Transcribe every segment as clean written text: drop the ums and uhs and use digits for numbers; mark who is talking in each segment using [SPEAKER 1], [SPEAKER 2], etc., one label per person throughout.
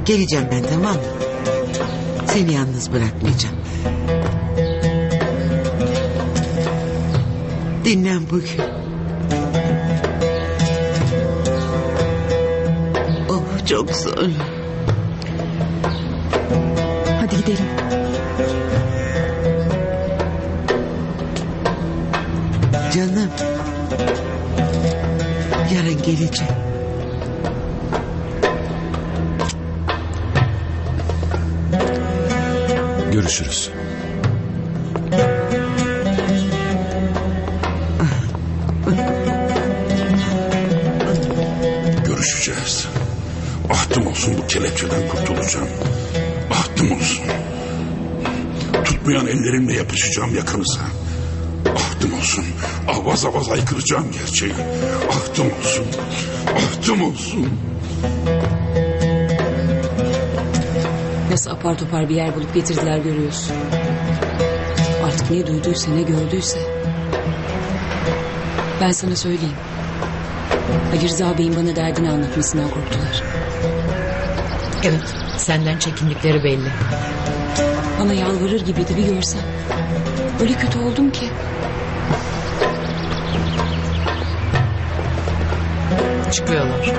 [SPEAKER 1] Geleceğim ben, tamam mı? Seni yalnız bırakmayacağım. Dinlen bugün. Oh, çok zor.
[SPEAKER 2] Hadi gidelim.
[SPEAKER 1] Canım. Yarın geleceğim.
[SPEAKER 3] Görüşürüz.
[SPEAKER 4] Görüşeceğiz. Ahtım olsun bu kelepçeden kurtulacağım. Ahtım olsun. Tutmayan ellerimle yapışacağım yakınıza. Ahtım olsun. Avaz avaz aykıracağım gerçeği. Ahtım olsun. Ahtım olsun.
[SPEAKER 5] Nasıl apar topar bir yer bulup getirdiler görüyorsun. Artık ne duyduysa ne gördüyse. Ben sana söyleyeyim. Ali Rıza Bey'in bana derdini anlatmasından korktular.
[SPEAKER 6] Evet, senden çekindikleri belli.
[SPEAKER 5] Bana yalvarır gibiydi, bir görsen. Öyle kötü oldum ki.
[SPEAKER 6] Çıkıyorlar.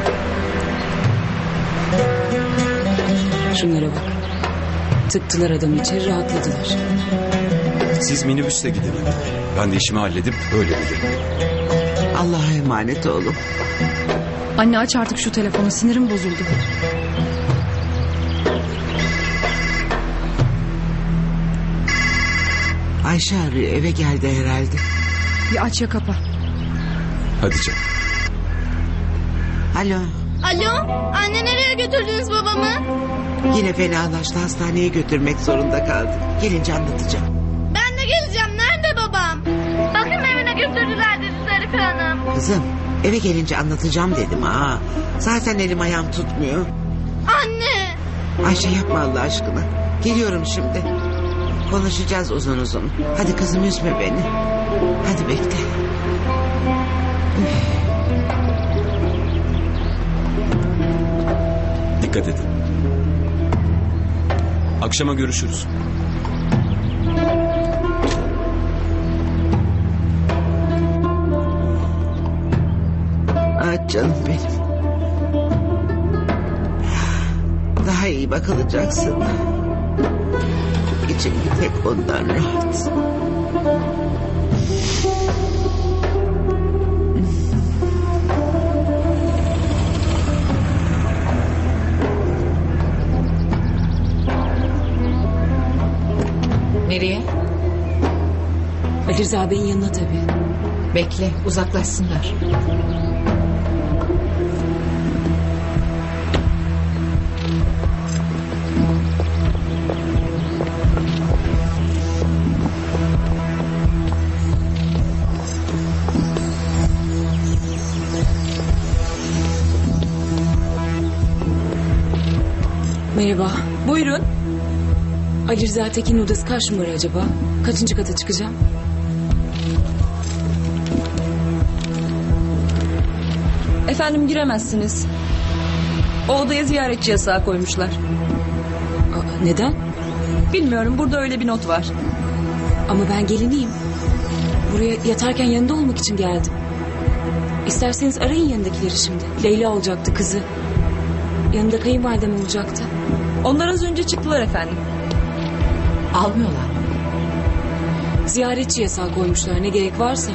[SPEAKER 5] Şunlara bak. Tıktılar adamı içeri, rahatladılar.
[SPEAKER 3] Siz minibüsle gidin. Ben de işimi halledip öyle gelirim.
[SPEAKER 1] Allah'a emanet oğlum.
[SPEAKER 2] Anne aç artık şu telefonu, sinirim bozuldu.
[SPEAKER 1] Ayşe arıyor, eve geldi herhalde.
[SPEAKER 2] Bir aç ya kapa.
[SPEAKER 3] Hadi canım.
[SPEAKER 1] Alo.
[SPEAKER 7] Alo, anne nereye götürdünüz babamı?
[SPEAKER 1] Yine fenalaştı, hastaneye götürmek zorunda kaldık. Gelince anlatacağım.
[SPEAKER 7] Ben de geleceğim, nerede babam? Bakım evine götürdüler dedi Zarife Hanım.
[SPEAKER 1] Kızım, eve gelince anlatacağım dedim ha. Zaten elim ayağım tutmuyor.
[SPEAKER 7] Anne!
[SPEAKER 1] Ayşe yapma Allah aşkına. Geliyorum şimdi. Konuşacağız uzun uzun. Hadi kızım, üzme beni. Hadi bekle.
[SPEAKER 3] Dikkat edin. Akşama görüşürüz.
[SPEAKER 1] Ah canım benim. Daha iyi bakılacaksın. İçim bir tek ondan rahat.
[SPEAKER 6] Nereye?
[SPEAKER 5] Ali Rıza Bey'in yanına tabii.
[SPEAKER 6] Bekle, uzaklaşsınlar.
[SPEAKER 5] Merhaba.
[SPEAKER 2] Buyurun.
[SPEAKER 5] Ali Rıza Tekin'in odası kaç numara acaba? Kaçıncı kata çıkacağım?
[SPEAKER 2] Efendim giremezsiniz. O odaya ziyaretçi yasağı koymuşlar.
[SPEAKER 5] Aa, neden?
[SPEAKER 2] Bilmiyorum, burada öyle bir not var.
[SPEAKER 5] Ama ben geliniyim. Buraya yatarken yanında olmak için geldim. İsterseniz arayın yanındakileri şimdi. Leyla olacaktı, kızı. Yanında kayınvalidem olacaktı.
[SPEAKER 2] Onlar az önce çıktılar efendim.
[SPEAKER 6] Almıyorlar mı?
[SPEAKER 5] Ziyaretçi yasağı koymuşlar, ne gerek varsa.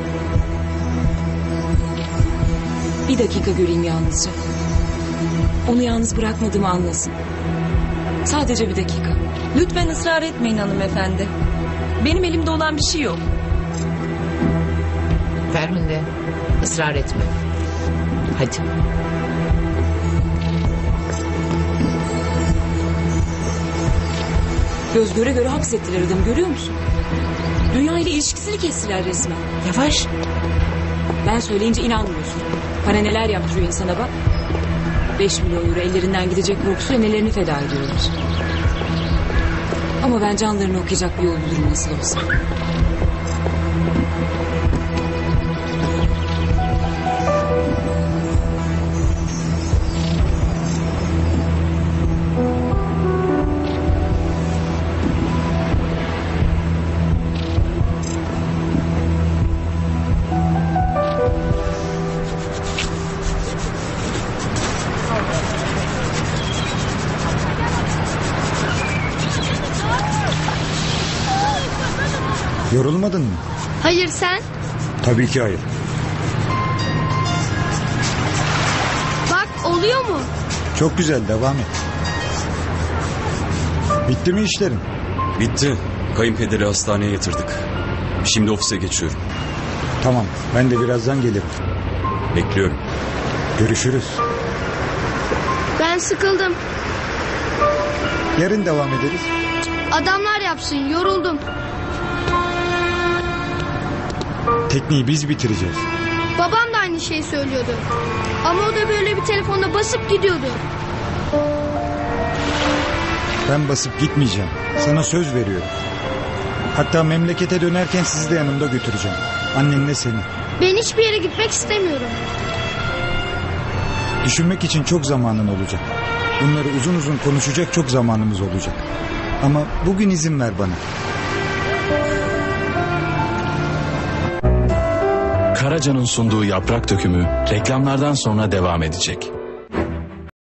[SPEAKER 5] Bir dakika göreyim yalnızca. Onu yalnız bırakmadığımı anlasın. Sadece bir dakika.
[SPEAKER 2] Lütfen ısrar etmeyin hanımefendi. Benim elimde olan bir şey yok.
[SPEAKER 6] Ferminde, ısrar etme. Hadi.
[SPEAKER 5] Göz göre göre hapsettiler adamı, görüyor musun? Dünya ile ilişkisini kestiler resmen.
[SPEAKER 1] Yavaş.
[SPEAKER 5] Ben söyleyince inanmıyorsun. Para neler yaptırıyor insana bak. 5 milyon euro ellerinden gidecek korkusuyla nelerini feda ediyorlar. Ama ben canlarını okuyacak bir yol bulurum nasıl olsa.
[SPEAKER 8] Yorulmadın mı?
[SPEAKER 7] Hayır sen?
[SPEAKER 8] Tabii ki hayır.
[SPEAKER 7] Bak oluyor mu?
[SPEAKER 8] Çok güzel, devam et. Bitti mi işlerin?
[SPEAKER 3] Bitti. Kayınpederi hastaneye yatırdık. Şimdi ofise geçiyorum.
[SPEAKER 8] Tamam, ben de birazdan gelirim.
[SPEAKER 3] Bekliyorum.
[SPEAKER 8] Görüşürüz.
[SPEAKER 7] Ben sıkıldım.
[SPEAKER 8] Yarın devam ederiz.
[SPEAKER 7] Adamlar yapsın, yoruldum.
[SPEAKER 8] Tekniği biz bitireceğiz.
[SPEAKER 7] Babam da aynı şeyi söylüyordu. Ama o da böyle bir telefonla basıp gidiyordu.
[SPEAKER 8] Ben basıp gitmeyeceğim. Sana söz veriyorum. Hatta memlekete dönerken sizi de yanımda götüreceğim. Annenle seni.
[SPEAKER 7] Ben hiçbir yere gitmek istemiyorum.
[SPEAKER 8] Düşünmek için çok zamanın olacak. Bunları uzun uzun konuşacak çok zamanımız olacak. Ama bugün izin ver bana.
[SPEAKER 9] Karaca'nın sunduğu Yaprak Dökümü reklamlardan sonra devam edecek.